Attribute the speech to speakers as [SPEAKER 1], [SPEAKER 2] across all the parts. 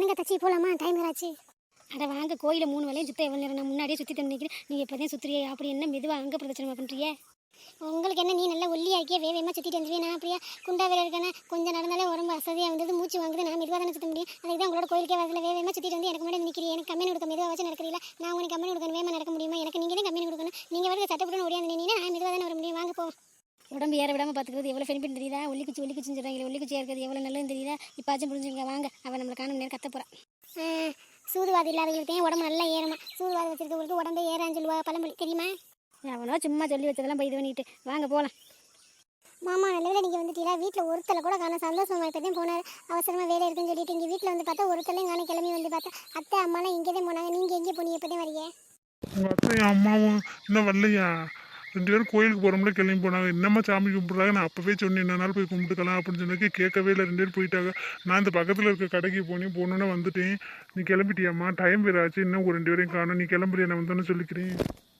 [SPEAKER 1] வாங்க தச்சி போகலாமா, டைம் ஆச்சு. அட வாங்க, கோயிலில் 3 வேலையும் சுத்த எவ்வளோ நேரம், நான் முன்னாடியே சுற்றி நினைக்கிறேன். நீங்கள் இப்போ தான் சுற்றுறியே, அப்படி என்ன மெதுவாக அங்கே பிரதட்சணமா பண்ணுறியே? உங்களுக்கு என்ன, நீ நல்லா ஒல்லியாக இருக்கியே, வேகமாக சுற்றிட்டு வந்துருவேன். நான் அப்படியே குண்டா வேலை இருக்கேன்னா கொஞ்சம் நடந்தாலே உடம்பு அசதியாக வந்தது, மூச்சு வாங்குது. நான் மெதுவாக தானே சுற்ற முடியும். அதுக்கு தான் உங்களோட கோயிலுக்கே வரல, வேகமாக சுற்றிட்டு வந்து எனக்கு முன்னாடி நிற்கிறீங்க. எனக்கு கம்மி கொடுக்க மெதுவாக வச்சு நடக்கிறீங்களா? நான் உங்களுக்கு கம்மி கொடுக்கணும், வேகமாக நடக்க முடியுமா? எனக்கு நீங்கள் தான் கம்மி கொடுக்கணும். நீங்கள் வரது சட்டப்பட்டு ஓடியாந்து நின்னீங்கன்னா நான் மெதுவாக தானே வர முடியும். வாங்க போவோம். உடம்பு ஏற விடாமல் பார்த்துக்கிறது எவ்வளோ பெனிஃபிட் தெரியுதா? ஒல்லிக்குச்சின்னு சொல்கிறாங்க, ஒல்லிக்குச்சியாக இருக்கிறது எவ்வளோ நல்லதுன்னு தெரியுதா? இப்போச்சும் புரிஞ்சுங்க. வாங்க, அவன் நம்மளை காணும் நேரம் கத்த போகிறான். சூதுவாதி இல்லாதவங்களுக்கு உடம்பு நல்லா ஏறுமா, சூதுவாதி வச்சிருக்கவங்களுக்கு உடம்பே ஏறான்னு சொல்லுவா பழமொழி, தெரியுமா? அவனோ சும்மா சொல்லி வச்சதெல்லாம் போய் இது பண்ணிட்டு வாங்க போகலாம். மாமா நல்ல நீங்கள் வந்துட்டீங்களா? வீட்டில் ஒருத்தலை கூட காண, சந்தோஷமா இப்போதையும் போனார். அவசரமாக வேலை இருக்குன்னு சொல்லிட்டு இங்கே வீட்டில் வந்து பார்த்தா ஒருத்தலையும் காண. கிளம்பி வந்து பார்த்தா அத்தை அம்மாலாம் இங்கே தான் போனாங்க. நீங்கள் எங்கே போனீங்க? எப்போதான் வரீங்க?
[SPEAKER 2] உங்கள் அத்தையும் அம்மாவும் இன்னும் வரலையா? 2 பேரும் கோயிலுக்கு போகிறோம்ல, கிளம்பி போனாங்க. என்னம்மா சாமி கும்பிட்றாங்க? நான் அப்போவே சொன்னேன் என்ன நாள் போய் கும்பிட்டுக்கலாம் அப்படின்னு சொன்னதுக்கு கேட்கவே இல்லை. 2 பேரும் போயிட்டாங்க. நான் இந்த பக்கத்தில் இருக்க கடைக்கு போனோன்னே வந்துட்டேன். நீ கிளம்பிட்டியாம்மா? டைம் வேறு ஆச்சு, இன்னும் ஒரு 2 பேரையும் காணும். நீ கிளம்புறியா? நான் வந்தோன்னு சொல்லிக்கிறேன்.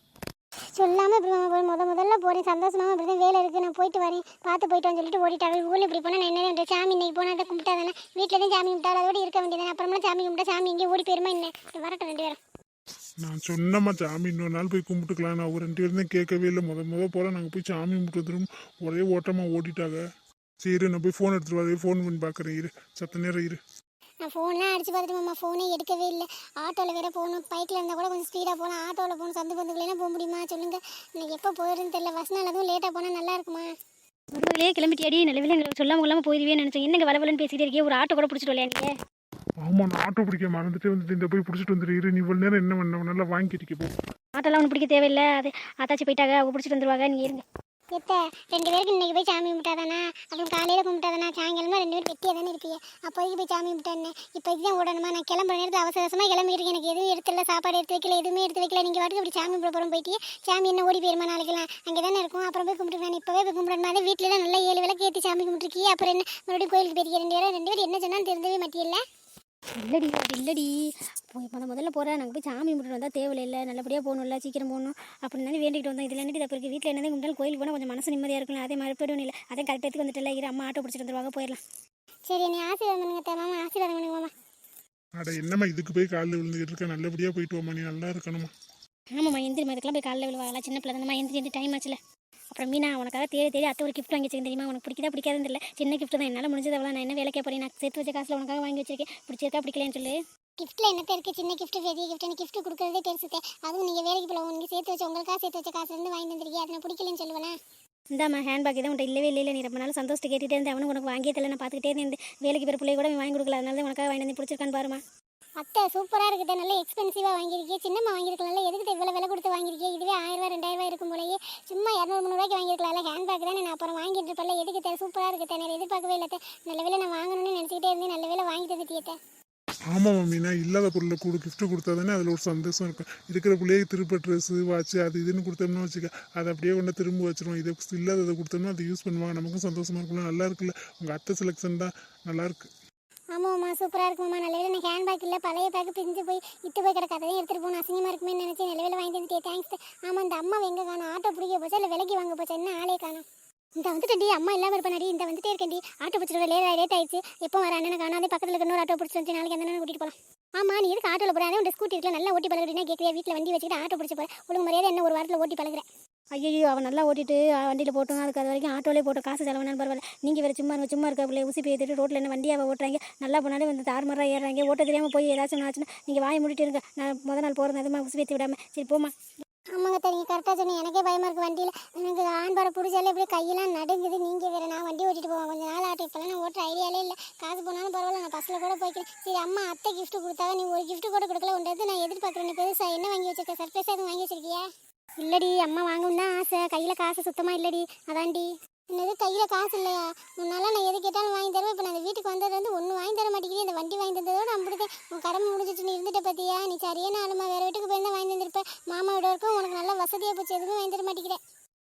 [SPEAKER 1] சொல்லாமல் இப்படி முதல்ல போகிறேன். சந்தோஷமாக இப்படி தான் வேலை இருக்குது, நான் போயிட்டு வரேன், பார்த்து போயிட்டோன்னு சொல்லிட்டு ஓடிட்டாங்க. ஊரில் இப்படி போனால் நான் என்ன பண்ணுறேன்? சாமி இன்னைக்கு போனால் தான் கும்பிட்டா தானே, வீட்டில் தான் சாமி கும்பிட்டா அதோடு இருக்க வேண்டியதானே. அப்புறமா சாமி கும்பிட்டா சாமி எங்கேயும் ஓடி போயிருமா என்ன? வரட்டும் 2 பேரும்.
[SPEAKER 2] நான் சொன்னம்மா சாமி இன்னொரு நாள் போய் கும்பிட்டுக்கலாம். நான் ஒரு 2 பேரும் தான் கேட்கவே இல்லை. போல் நாங்கள் போய் சாமி கும்பிட்டு வந்துடும். ஒரே ஓட்டமாக ஓடிட்டாங்க. சரி, நான் போய் ஃபோன் எடுத்துகிட்டு வரேன். ஃபோன் பண்ணி பார்க்குறேன். இரு, சத்த நேரம் இரு.
[SPEAKER 1] நான் ஃபோன்லாம் அடிச்சு பார்த்துட்டு மாமா, ஃபோனே எடுக்கவே இல்லை. ஆட்டோவில் வேறு போகணும், பைக்கில் இருந்தால் கூட கொஞ்சம் ஸ்பீடாக போகலாம். ஆட்டோவில் போகணும், சந்து பந்துக்குள்ளேலாம் போக முடியுமா சொல்லுங்கள்? எனக்கு எப்போ போயிடுன்னு தெரியல. பஸ் நாள் அதுவும் லேட்டாக போனால் நல்லா இருக்குமா? ஒருவர்களே கிளம்பிட்டியாடி? நல்ல எங்களுக்கு சொல்லாமல் போயிடுவேன்னு நினச்சேன். என்னங்க வளவலன்னு பேசிகிட்டே இருக்கே, ஒரு ஆட்டோ கூட பிடிச்சிட்டு வரலையா நீங்கள்?
[SPEAKER 2] ஆமாம், நான் ஆட்டோ பிடிக்க மறந்துட்டு வந்துட்டு இந்த போய் பிடிச்சிட்டு வந்துடு. நீ இவ்வளோ நேரம் என்ன பண்ண? நல்லா வாங்கிட்டு போ.
[SPEAKER 1] ஆட்டோலாம் ஒன்று பிடிக்க தேவையில்லை, அது ஆத்தாச்சி போயிட்டாங்க, அவங்க பிடிச்சிட்டு வந்துருவாங்க. நீங்கள் இருங்க. எத்த 2 பேருக்கு இன்றைக்கி போய் சாமி கும்பிட்டாதானா? அப்புறம் காலையில் கும்பிட்டாதானா? சாயங்காலமா 2 பேரும் வெட்டியாக தானே இருப்பீங்க. அப்போதைக்கு போய் சாமி கும்பிட்டானே. இப்போ இதுதான் ஓடணுமா? நான் கிளம்புற நேரத்தில் அவசரமாக கிளம்பிக்கிறேன். எனக்கு எதுவும் எடுத்துல, சாப்பாடு எடுத்து வைக்கல, எதுவுமே எடுத்து வைக்கல. நீங்கள் வாட்டுக்கு இப்படி சாமி கும்பிட போகிறோம் போயிட்டு சாமி என்ன ஓடி போயிருமா? நாளைக்கெல்லாம் அங்கே தானே இருக்கும். அப்புறம் போய் கும்பிட்டு நான் இப்போவே போய் கும்பிடணுமா? வீட்டில் தான் நல்லா 7 விளக்கு ஏற்றி சாமி கும்பிட்டுருக்கீங்க. அப்புறம் என்ன மறுபடியும் கோயிலுக்கு போயிருக்கீங்க? 2 பேரும் என்ன சொன்னாலும் தெரிஞ்சவே மாட்டியில்லை. இல்லடி அது இல்லடி, முதல்ல போகிறேன். நாங்கள் போய் சாமி கும்பிட்டு வந்தால் தேவையில்லை, நல்லபடியாக போகணும்ல, சீக்கிரம் போகணும் அப்படின்னு வேண்டிகிட்டு வந்தோம். இதில் என்னடி தப்பு இருக்குது? வீட்டில் என்னதான் கும்பிட்டாலும் கோயிலுக்கு போனால் கொஞ்சம் மனசு நிம்மதியாக இருக்கலாம். அதே மாதிரி போய்டும் இல்லை, அதே கரெக்டாக வந்துட்டு இரு, அம்மா ஆட்டோ பிடிச்சிட்டு வந்துருவாங்க, போயிடலாம். சரி, நீ ஆசீர்வாதம் பண்ணுங்க மாமா, ஆசீர்வாதம் பண்ணுங்க மாமா.
[SPEAKER 2] அட என்னம்மா இதுக்கு போய் காலில் விழுந்துக்கிட்டு இருக்க? நல்லபடியாக போயிட்டு வாமா, நீ நல்லா இருக்கணுமா?
[SPEAKER 1] ஆமாம்மா, எந்திரி மதுக்கெல்லாம் போய் காலில் விழுவாங்களா? சின்ன பிள்ளை தானம்மா, எந்திரி டைம் ஆச்சுல. அப்புறம் மீனா உனக்காக தேடி அத்தை ஒரு கிஃப்ட் வாங்கி வச்சிருக்கேன் தெரியுமா? உனக்கு பிடிக்கதா பிடிக்காதுன்னு தெரியல, சின்ன கிஃப்ட் தான், என்னால் முடிஞ்சது அவ்வளோ. நான் என்ன வேலைக்கே போகிறேன், நான் சேர்த்து வச்ச காசில் உனக்காக வாங்கி வச்சிருக்கேன். பிடிச்சிருக்கா பிடிக்கலன்னு சொல்லு. கிஃப்ட்டில் என்ன இருக்குது? சின்ன கிஃப்ட் பெரிய கிஃப்ட், எனக்கு கிஃப்ட் கொடுக்குறதே பெருசுதே. அதுவும் நீங்கள் வேலைக்கு போல நீங்கள் சேர்த்து வச்சு உங்களுக்காக சேர்த்து வச்ச காசுலேருந்து வாங்கி வந்துருக்கீங்க, அதை நான் பிடிக்கலன்னு சொல்லுவேன். இந்தாம்மா ஹேண்ட்பேக் தான் உன்ட்ட இல்லவே இல்லை. நீ ரொம்ப நாள் சந்தோஷத்தை கேட்டுகிட்டே இருந்தேன், அவனுக்கு உனக்கு வாங்கியே தெரியல. நான் பார்த்துக்கிட்டே இருந்தேன், வேலைக்கு பிற பிள்ளை கூட வாங்கி கொடுக்கல, அதனால தான் உனக்காக வாங்கி வந்து பிடிச்சிருக்கான்னு பாருமா. அத்தை சூப்பராக இருக்குது, நல்ல எக்ஸ்பென்சிவாக வாங்கியிருக்கேன். சின்னம்மா வாங்கியிருக்கலாம்ல, எதுக்கு இவ்வளோ விலை கொடுத்து வாங்கியிருக்கேன்? இதுவே 1000 ரூபா 2000 ரூபா இருக்கும் போலயே. சும்மா 200 300 வாங்கியிருக்கலாம்ல. ஹேண்ட்பேக் தானே, நான் அப்புறம் வாங்கிட்டு இருப்பேன்ல. எதுக்கு சூப்பராக இருக்குது, நான் எதிர்பார்க்கவே இல்லை. நல்ல வேலை நான் வாங்கணும்னு நினச்சிக்கிட்டே இருந்தேன், நல்ல வேலை வாங்கி தந்துட்டியத்தை.
[SPEAKER 2] ஆமாம் மம்மி, நான் இல்லாத பொருளை கிஃப்ட் கொடுத்தா தானே அதில் ஒரு சந்தோஷம் இருக்கும். இருக்கிற பிள்ளையே திருப்ப ட்ரெஸ்ஸு வாட்ச் அது இதுன்னு கொடுத்தோம்னா வச்சுக்க, அதை அப்படியே கொண்டு திரும்ப வச்சிருவோம். இதை இல்லாததை கொடுத்தோம்னா அதை யூஸ் பண்ணுவாங்க, நமக்கும் சந்தோஷமாக இருக்கும்ல. நல்லா இருக்குல்ல? உங்கள் அத்தை செலெக்ஷன் தான் நல்லாயிருக்கு. ஆமாம்மா, சூப்பராக இருக்குமாம்மா. நல்ல வேலை எனக்கு ஹேண்ட் பேக் இல்லை, பழைய பேக்கு பிரிஞ்சு போய் இட்டு போய் கிடக்க, அதையும் எடுத்துகிட்டு போகணும், அசிங்கமாக இருக்குமே நினச்சி நல்ல வேலை வாங்கி தந்துட்டே, தேங்க்ஸ். ஆமாம், இந்த அம்மா எங்கே காணும்? ஆட்டோ பிடிக்க போச்சா இல்லை விலைக்கு வாங்க போச்சா? என்ன ஆளே காணும்? இந்த வந்துட்டேன்டி, அம்மா இல்லாமல் இருப்பானடி. இந்த வந்துட்டே இருக்கேன்டி, ஆட்டோ பிடிச்சிட்டு லேட் ஆயிடுச்சு. எப்போ வர அண்ணனை காணாதே, பக்கத்தில் இருக்க இன்னொரு ஆட்டோ பிடிச்சி வந்து நாளைக்கு அந்த அண்ணனை கூட்டிகிட்டு போகலாம். ஆமாம், நீ எதுக்கு ஆட்டோவில் போகிறேன்? உங்கள் ஸ்கூட்டி இருக்கலாம், நல்லா ஓட்டி பழகுறீங்கன்னா கேட்குறியா? வீட்டில் வண்டி வச்சுக்கிட்டு ஆட்டோ பிடிச்சி போகிறேன், ஒழுங்கு மரியாதை என்ன ஒரு வாரத்தில் ஓட்டி பழகுறேன். ஐயோ, அவன் நல்லா ஓட்டிட்டு வண்டியில் போட்டோம், அதுக்கு அது வரைக்கும் ஆட்டோலே போட்டோம், காசு செலவுனாலும் பரவாயில்ல. நீங்கள் வேறு சும்மா இருக்க பிள்ளை ஊசி பேத்துட்டு ரோட்டில் என்ன வண்டியாக ஓட்டுறாங்க, நல்லா போனாலே வந்து தாறுமாறாக ஏறுறாங்க. ஓட்ட தெரியாமல் போய் ஏதாச்சும் ஆச்சுன்னா நீங்கள் வாயை மூடிட்டு இருங்க. நான் முத நாள் போகிறது அதுமா ஊசி பேத்தி விடாமல். சரி போமா. ஆமாங்க, நீங்கள் கரெக்டாக சொன்னீங்க, எனக்கே பயமாக இருக்குது வண்டியில். எனக்கு ஆண்பாடை பிடிச்சாலே இப்படி கையெல்லாம் நடுங்குது. நீங்கள் வேறு நான் வண்டி ஓட்டிட்டு போவேன் கொஞ்சம் நாள் ஆட்டோ. இப்போலாம் நான் ஓட்டுற ஐடியாலே இல்லை, காசு போனாலும் பரவாயில்ல, நான் பஸ்ஸில் கூட போய்க்கிறேன். சரி, அம்மா அத்தை கிஃப்ட் கொடுத்தாங்க, நீ ஒரு கிஃப்ட் கூட கொடுக்கல. உண்டது நான் எதிர்பார்க்குறேன். நீ பெருசாக என்ன வாங்கி வச்சிருக்க? சர்ப்ரைஸாக எதுவும் வாங்கி வச்சிருக்கியா? இல்லடி, அம்மா வாங்கணும் தான் ஆசை, கையில் காசு சுத்தமாக இல்லடி, அதான்டி. என்னது கையில் காசு இல்லையா? முன்னால நான் எது கேட்டாலும் வாங்கி தருவேன். இப்போ நான் வீட்டுக்கு வந்தது வந்து ஒன்றும் வாங்கி தர மாட்டேங்கிறேன். இந்த வண்டி வாங்கி தந்ததோடு அப்படிதான் உன் கடமை முடிஞ்சிச்சு. நீ இருந்துட்ட பார்த்தியா? நீ சரியான ஆளுமா, வேறு வீட்டுக்கு போய் தான் வாங்கி தந்திருப்பேன். மாமா விட இருக்கும், உனக்கு நல்லா வசதியாக போச்சு, எதுவுமே வாங்கி தர மாட்டேங்கிறேன்.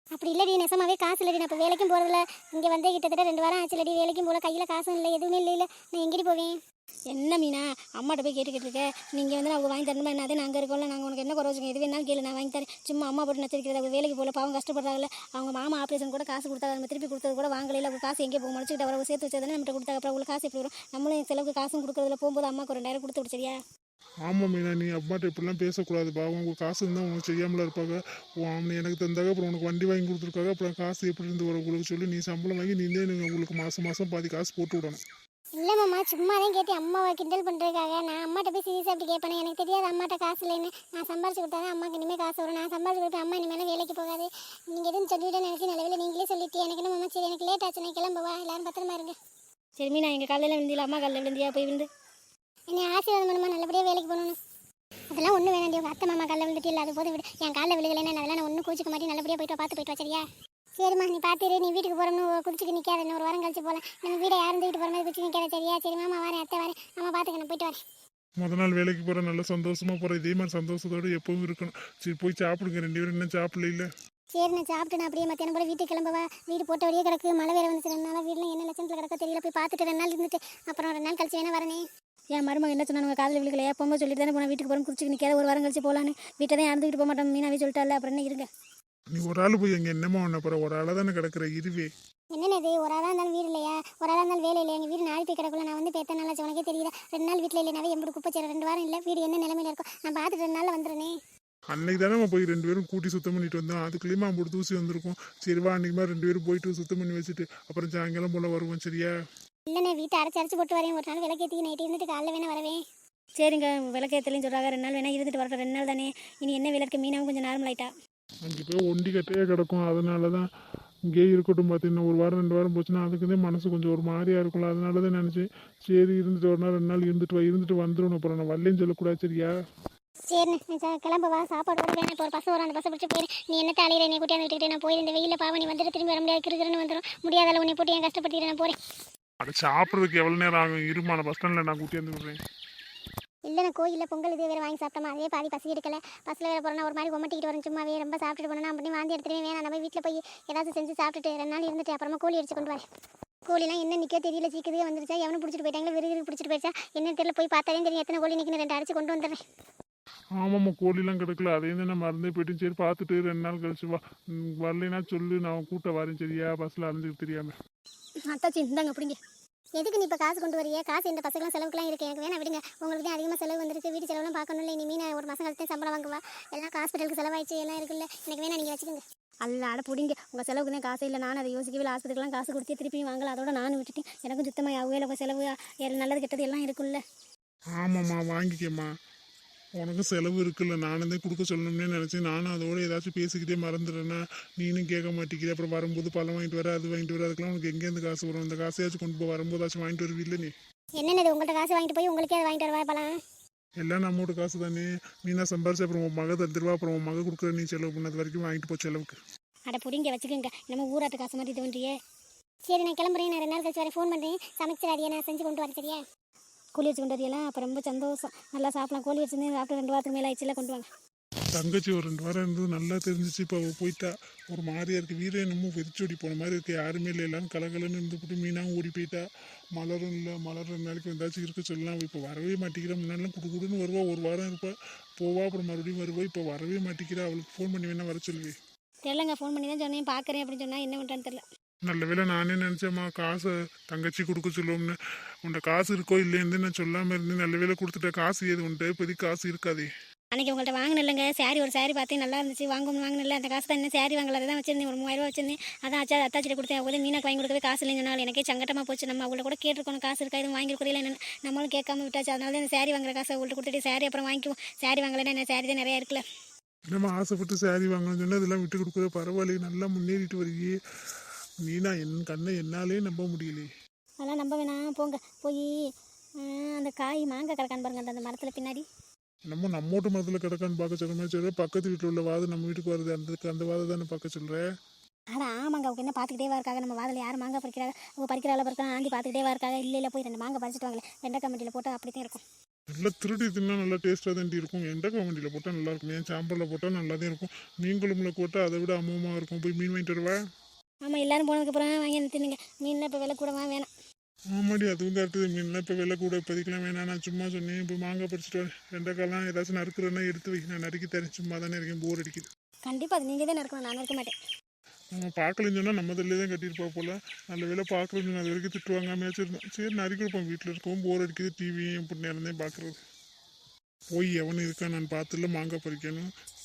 [SPEAKER 1] அப்படி இல்லடி, நெசமாவே காசு இல்லடி. நான் இப்போ வேலைக்கும் போகிறதில்ல. இங்கே வந்து கிட்டத்தட்ட 2 வாரம் ஆச்சுலடி. வேலைக்கும் போல, கையில் காசும் இல்லை, எதுவுமே இல்லை. நான் எங்கடி போவேன்? என்ன மீனா அம்மாட்ட போய் கேட்டுக்கிட்டு இருக்கேன்? நீங்கள் வந்து அவங்க வாங்கி தரணுமா என்ன? அதே நாங்கள் இருக்கோம்ல, நாங்கள் உனக்கு என்ன குறை வச்சுக்கோங்க, எது வேணாலும் கேளு, நான் வாங்கி தரேன். சும்மா அம்மா போட்டு நச்சரிக்கிறது. அவங்க வேலைக்கு போல, பாவம் கஷ்டப்படுறாங்கல்ல. அவங்க மாமா ஆப்ரேஷன் கூட காசு கொடுத்தாங்க, நம்ம திருப்பி கொடுத்தது கூட வாங்கல. அவங்க காசு எங்கே போக முடிச்சுக்கிட்டு அவரை சேர்த்து வச்சதானே நம்மகிட்ட கொடுத்தாங்க. அப்புறம் உங்களுக்கு காசு எப்படி வரும்? நம்மளும் செலவுக்கு காசும் கொடுக்குறதுல போகும்போது அம்மாவுக்கு ஒரு 2,000 கொடுத்து விடு, சரியா?
[SPEAKER 2] ஆமாம் மீனா, நீ அம்மாட்ட இப்படிலாம் பேசக்கூடாதுப்பா. அவங்க காசு இருந்தால் உனக்கு செய்யாமல இருப்பாங்க. அவனை எனக்கு தந்தாக அப்புறம் உனக்கு வண்டி வாங்கி கொடுத்துருக்காங்க. அப்புறம் காசு எப்படி இருந்து வர உங்களுக்கு சொல்லி நீ சம்பளம் வாங்கி நீந்தே உங்களுக்கு மாதம் மாதம் பாதி காசு போட்டு விடணும்.
[SPEAKER 1] இல்லை மாமா, சும்மா தான் கேட்டேன். அம்மாவை கிண்டல் பண்ணுறதுக்காக. நான் அம்மாட்ட போய் சீரியஸாக அப்படி கேட்பேன். எனக்கு தெரியாது அம்மாட்ட காசு இல்லைன்னு. நான் சம்பாரிச்சு கொடுத்தா தான் அம்மாவுக்கு இனிமேல் காசு வரும். நான் சம்பாரிச்சு கொடுப்பேன். அம்மா இனிமேல் வேலைக்கு போகாது. நீங்கள் எதுவும் சொல்லிவிட்டு நினச்சி நல்ல நீங்களே சொல்லிட்டு எனக்கு என்ன மாமா, சரி எனக்கு லேட் ஆச்சு, நான் கிளம்புவா. எல்லாரும் பத்திரமா இருங்க. சரி மீனா, எங்கள் காலையில் விழுந்தியா? அம்மா காலையில் விழுந்தியா? போய் விழுந்து என்னை ஆசீர்வாதம் பண்ணுமா, நல்லபடியாக வேலைக்கு போகணும். அதெல்லாம் ஒன்றும் வேணாண்டி. உங்கள் அத்தை மாமா காலையில் விழுந்துட்டு இல்லை, அது போதும் விடு. என் காலையில் விழுகலைன்னா அதெல்லாம் நான் ஒன்றும் கூச்சிக்க மாட்டேன். நல்லபடியாக போயிட்டு வா, சரியா? சரிம்மா, நீ பார்த்துரு. நீ வீட்டுக்கு போகிறோம்னு குடிச்சிட்டு நிற்காத. இன்னும் 1 வாரம் கழிச்சு போகலாம். நம்ம வீடை யாரும் தூக்கிட்டு போகிற மாதிரி குடிச்சு நிற்காத, சரியா? சரி மாமா வரேன், அத்தை வரேன். அம்மா பார்த்துக்கணும், போயிட்டு வரேன்.
[SPEAKER 2] முத நாள் வேலைக்கு போகிற நல்லா சந்தோஷமாக போகிற. இதே மாதிரி சந்தோஷத்தோடு எப்பவும் இருக்கணும். சரி போய் சாப்பிடுங்க, 2 பேரும் இன்னும் சாப்பிடல இல்லை?
[SPEAKER 1] சரி, நான் சாப்பிட்டு நான் அப்படியே மத்தியானம் போல வீட்டுக்கு கிளம்பவா? வீடு போட்ட வழியே கிடக்கு. மழை வேறு வந்துச்சு. 2 நாளாக வீட்டில் என்ன லட்சத்தில் கிடக்க தெரியல. போய் பார்த்துட்டு 2 நாள் இருந்துட்டு அப்புறம் 2 நாள் கழிச்சு வேணா வரனே. என் மருமக என்ன சொன்னாங்க? காலையில் விழுக்கலையா? போகும்போது சொல்லிட்டு தானே போனால் வீட்டுக்கு போகிறோம். குடிச்சிக்கு நிற்காத, 1 வாரம் கழிச்சு போகலான்னு. வீட்டை தான் யாரும் போக மாட்டோம். மீனாவே சொல்லிட்டால, அப்புறம் என்ன இருங்க.
[SPEAKER 2] நீ ஒரு ஆள் போய் எங்கே என்னமா ஒன்று போகிற? ஒரு ஆளாக தானே கிடக்குற இருவே.
[SPEAKER 1] என்னென்ன இது? ஒரு ஆளாக இருந்தாலும் வீடு இல்லையா? ஒரு ஆளாக இருந்தாலும் வேலை இல்லையா? எங்கள் வீடு நாளை போய் கிடக்குள்ள. நான் வந்து இப்போ எத்தனை நாளாச்சு உனக்கே தெரியல. 2 நாள் வீட்டில் இல்லைனாவே எப்படி குப்பை சேர 2 வாரம் இல்லை. வீடு என்ன நிலைமையில இருக்கும்? நான் பார்த்துட்டு 2 நாளில் வந்துடுறேனே.
[SPEAKER 2] அன்னைக்கு தானே போய் 2 பேரும் கூட்டி சுத்தம் பண்ணிட்டு வந்தோம். அதுக்குள்ளேயுமா போட்டு தூசி வந்திருக்கும். சரிவா, அன்றைக்கி மாதிரி 2 பேரும் போயிட்டு சுத்தம் பண்ணி வச்சுட்டு அப்புறம் சாயங்காலம் போல் வருவோம், சரியா?
[SPEAKER 1] இல்லைண்ணே, வீட்டை அரைச்சி போட்டு வரேன். ஒரு நாள் விளக்கேற்றி நைட்டு இருந்துட்டு காலைல வேணா வரவேன். சரிங்க, விளக்கேற்றலையும் சொல்கிறாங்க. 2 நாள் வேணா இருந்துட்டு வரட்டும். 2 நாள் தானே, இனி என்ன விளக்கு? மீனாவும் கொஞ்சம் நார்மல் ஆயிட்டா.
[SPEAKER 2] அங்கே போய் ஒண்டி கட்டையே கிடக்கும். அதனால தான் இங்கேயே இருக்கட்டும் பார்த்தீங்கன்னா. 1 வாரம் 2 வாரம் போச்சுன்னா அதுக்குதான் மனசு கொஞ்சம் ஒரு மாதிரியா இருக்கும்ல. அதனால தான் நினச்சேன் சரி இருந்துட்டு 1 நாள் 2 நாள் இருந்துட்டு வந்துடணும். அப்புறம் நான் வரலன்னு சொல்லக்கூடாது, சரியா?
[SPEAKER 1] சரிண்ணே, கிளம்பவா? சாப்பாடு கூட வேணும். இப்போ ஒரு பஸ் வரும், அந்த பஸ்ஸை பிடிச்சி போயிரு. நீ என்ன தலையில என்னை கூட்டியாந்து விட்டுக்கிட்டு நான் போயிருந்த வெயிலில் பாவம். நீ வந்துட்டு திரும்பி வர முடியாது, கிருக்கிறன்னு வந்துடும். முடியாதால உன்னை போட்டு ஏன் கஷ்டப்பட்டு நான் போகிறேன்.
[SPEAKER 2] அதை சாப்பிட்றதுக்கு எவ்வளோ நேரம் ஆகும்? இருமா, நான் பஸ் ஸ்டாண்டில் நான் கூட்டியாந்து விடுறேன்.
[SPEAKER 1] இல்லை, நான் கோயிலில் பொங்கல் இது வேறு வாங்கி சாப்பிட்டோமா, அதே பாதி பசி எடுக்கல. பஸ்ஸில் வேறு போகிறோன்னா ஒரு மாதிரி கொமட்டிக்கிட்டு வரும். சும்மாவே ரொம்ப சாப்பிட்டுட்டு போனோன்னா அப்படி வாந்தி எடுத்துகிட்டே வேணாம். நம்ம வீட்டில் போய் ஏதாவது செஞ்சு சாப்பிட்டுட்டு 2 நாள் இருந்துட்டு அப்புறமா கோழி அடிச்சு கொண்டு வரேன். கோழிலாம் என்ன நிற்க தெரியல, சீக்கிரமே வந்துருச்சா, எவனும் பிடிச்சிட்டு போயிட்டாங்களா, விறுவிறு பிடிச்சிட்டு போயிடுச்சா என்ன தெரியல. போய் பார்த்தாலே தெரியும் எத்தனை கோழி நிற்கணும். 2 அடிச்சு கொண்டு வந்துடுறேன்.
[SPEAKER 2] ஆமாம்மா, கோழிலாம் கிடக்கல. அதையும் தான் நான் மறந்தே போயிட்டு. சரி பார்த்துட்டு 2 நாள் கழிச்சு வா. வரலைன்னா சொல்லு, நான் கூட்ட வரேன், சரியா? பஸ்ஸில் அலைஞ்சிட்டு தெரியாமல்.
[SPEAKER 1] அத்தாச்சி இந்தாங்க அப்படிங்க. எதுக்கு நீ இப்போ காசு கொண்டு வரியே? காசு இந்த பசங்களாம் செலவுக்குலாம் இருக்குது. எனக்கு வேணா விடுங்க. உங்களுக்கு தான் அதிகமாக செலவு வந்துருக்கு. வீட்டு செலவுலாம் பார்க்கணும்ல. இனிமேல் நான் 1 மாதம் கழிச்சு சம்பளம் வாங்குவா. எல்லாம் ஹாஸ்பிட்டலுக்கு செலவாயிடுச்சு, எல்லாம் இருக்குல்ல. எனக்கு வேணா நீங்கள் வச்சுக்கோங்க. அல்ல அட பிடிங்க. உங்கள் செலவுக்கு தான் காசு இல்லை. நான் அதை யோசிக்கவே ஹாஸ்பிட்டலுக்குலாம் காசு கொடுத்து திருப்பியும் வாங்கலாம். அதோட நானும் விட்டுட்டேன். எனக்கும் சுத்தமாக ஆகவே உங்கள் செலவு நல்லது கெட்டது எல்லாம் இருக்குல்ல.
[SPEAKER 2] ஆமாம்மா, வாங்கிக்கம்மா. உனக்கும் செலவு இருக்குல்ல. நானும் தான் கொடுக்க சொல்லணும்னே நினச்சேன். நானும் அதோட ஏதாச்சும் பேசிக்கிட்டே மறந்துடுறேன்னா நீனும் கேட்க மாட்டேங்கிற. அப்புறம் வரும்போது பழம் வாங்கிட்டு வர, அது வாங்கிட்டு வர, அதுக்கெல்லாம் உனக்கு எங்கேருந்து காசு வரும்? இந்த காசையாச்சும் கொண்டு போய் வரும்போதாச்சும் வாங்கிட்டு வருவில்ல நீ.
[SPEAKER 1] என்னென்னது உங்கள்கிட்ட காசு வாங்கிட்டு போய் உங்களுக்கே அதை வாங்கிட்டு வருவா பழம்?
[SPEAKER 2] எல்லாம் நம்மளோட காசு தானே. மீனா சம்பாரிச்சு அப்புறம் உன் மக தந்துடுவா. அப்புறம் உன் மக கொடுக்குற நீ செலவு பண்ணது வரைக்கும் வாங்கிட்டு போ செலவுக்கு.
[SPEAKER 1] அட பிடிங்க வச்சுக்கோங்க. நம்ம ஊராட்டு காசு மாதிரி இது பண்ணுறியே. சரி, நான் கிளம்புறேன். நான் 2 நாள் கழிச்சு வரேன். ஃபோன் பண்ணுறேன். சமைச்சிடாதியே, நான் செஞ்சு கொண்டு வரேன், சரியா? கோழி வச்சு கொண்டு வரையெல்லாம் அப்போ ரொம்ப சந்தோஷம். நல்லா சாப்பிடலாம். கோழி வச்சுருந்து சாப்பிட்டு 2 வாரத்துக்கு மேலே ஆயிடுச்சுல. கொண்டு வாங்க.
[SPEAKER 2] தங்கச்சி ஒரு 2 வாரம் இருந்தது நல்லா தெரிஞ்சிச்சு. இப்போ அவள் போயிட்டா. ஒரு மாதிரியா இருக்குது. வீரே என்னமோ வெறிச்சோடி போன மாதிரி இருக்குது. யாருமே இல்லை. எல்லாரும் கலகலன்னு இருந்துவிட்டு மீனாவும் ஓடி போயிட்டா. மலரும் இல்லை. மலர் 2 நாளைக்கு வந்தாச்சும் இருக்க சொல்லலாம். இப்போ வரவே மாட்டேங்கிறா. முன்னாடிலாம் குடுன்னு வருவா. 1 வாரம் இருப்பா, போவா, அப்புறம் மறுபடியும் வருவா. இப்போ வரவே மாட்டேங்கிறா. அவளுக்கு ஃபோன் பண்ணி வேணா வர சொல்லுவேன்.
[SPEAKER 1] தெரியலங்க, ஃபோன் பண்ணி தான் சொன்னேன். பார்க்குறேன் அப்படின்னு சொன்னால் என்ன பண்ணுறான்னு தெரியல.
[SPEAKER 2] நல்ல வேளை நானே நினச்சேம்மா காசை தங்கச்சி கொடுக்க சொல்லுவோம்னு. உன்ட்ட காசு இருக்கோ இல்லைன்னு நான் சொல்லாமல் இருந்தேன். நல்ல வேளை கொடுத்துட்ட. காசு ஏது உன்ட்ட? இப்போதைக்கு காசு இருக்காதே.
[SPEAKER 1] அன்றைக்கி உங்கள்கிட்ட வாங்கினில்லைங்க ஒரு சாரி பார்த்தேன், நல்லா இருந்துச்சு. வாங்கினில்ல. அந்த காசு தான் என்ன சாரி வாங்கல, தான் வச்சிருந்தேன். ஒரு 3000 ரூபா வச்சிருந்தேன். அதான் அத்தாச்சிட்ட கொடுத்தேன். அவங்க மீனாக்கு வாங்கி கொடுக்கவே காசு இல்லைன்னு சொன்னால் எனக்கே சங்கட்டமாக போச்சு. நம்ம அவங்கள கூட கேட்டிருக்கணும் காசு இருக்கா, எதுவும் வாங்கி கொடுக்கல என்னென்னு. நம்மளும் கேட்காம விட்டாச்சு. அதனால தான் இந்த சாரி வாங்குற காசை அவங்கள்ட்ட கொடுத்துட்டு சாரி அப்புறம் வாங்கிக்குவோம். சாரி வாங்கலைன்னா என்ன, சாரி தான் நிறையா இருக்குல்ல.
[SPEAKER 2] நம்ம ஆசைப்பட்டு சாரி வாங்கணும்னு சொன்னால் இதெல்லாம் விட்டு கொடுக்குற. பரவாயில்லையே, நல்லா முன்னேறிட்டு வருகியே நீனா. என் கண்ணை என்னாலே நம்ப முடியலையே.
[SPEAKER 1] அதெல்லாம் நம்ப வேணாம், போங்க. போய் அந்த காய் மாங்காய் கிடக்கான்னு பாருங்க, அந்த மரத்தில் பின்னாடி.
[SPEAKER 2] நம்மோட்டு மரத்தில் கிடக்கான்னு பார்க்க சொல்கிற மாதிரி சொல்கிற. பக்கத்து வீட்டில் உள்ள வாது நம்ம வீட்டுக்கு வருது, அந்த வாதை தானே பார்க்க சொல்கிறேன்.
[SPEAKER 1] ஆனால் ஆமாங்க, அவங்க என்ன பார்த்துக்கிட்டே இருக்காங்க. நம்ம வாதில் யார் மாங்காய் பறிக்கிறாங்க, அவங்க பறிக்கிறாள் பறிக்கலாம் ஆண்டி பார்த்துக்கிட்டே இருக்காங்க. இல்லை போய் 2 மாங்காய் பறிச்சிட்டு வாங்களே. வெண்டைக்காய் மண்டியில் போட்டு அப்படி தான் இருக்கும்.
[SPEAKER 2] நல்லா திருடி தின்னா நல்லா டேஸ்ட்டாக தாண்டி இருக்கும். எண்டக்காய் வண்டியில் போட்டால் நல்லா இருக்கும். ஏன் சாம்பலில் போட்டால் நல்லா தான் இருக்கும். மீன் குழம்புல போட்டால் அதை விட அமோகமாக இருக்கும். போய் மீன் வாங்கிட்டு வருவா.
[SPEAKER 1] ஆமாம் எல்லாரும் போனதுக்கப்புறம் வாங்கி வந்து தின்னுங்க. மீன்லாம் இப்போ விலை கூடவா வேணாம்.
[SPEAKER 2] ஆமாடி அதுவும் கரெக்டு. மீன்லாம் இப்போ விலை கூட இப்போதைக்கெல்லாம் வேணாம். நான் சும்மா சொன்னேன். இப்போ மாங்காய் பறிச்சிட்டு வரேன். வெண்டைக்காய்லாம் ஏதாச்சும் நறுக்கிறேன்னா எடுத்து வை. நான் நறுக்கி தரேன். சும்மா தானே இருக்கேன், போர் அடிக்குது.
[SPEAKER 1] கண்டிப்பாக அது நீங்கள் தான் இருக்கணும், நான் இருக்க மாட்டேன்.
[SPEAKER 2] நம்ம பார்க்கலன்னு சொன்னால் நம்ம தள்ளியே தான் கட்டியிருப்பா போல. நல்ல வேலை பார்க்கலன்னு சொன்னால் அது வரைக்கும் திட்டு வாங்காமையாச்சும் இருந்தோம். சரி நறுக்கி கொடுப்போம். வீட்டில் இருக்கவும் போர் அடிக்குது. டிவியும் இப்படி நேரம் தான் பார்க்குறது. போய் எவனும் இருக்கா நான் பார்த்துல மாங்காய் பறிக்கணும்.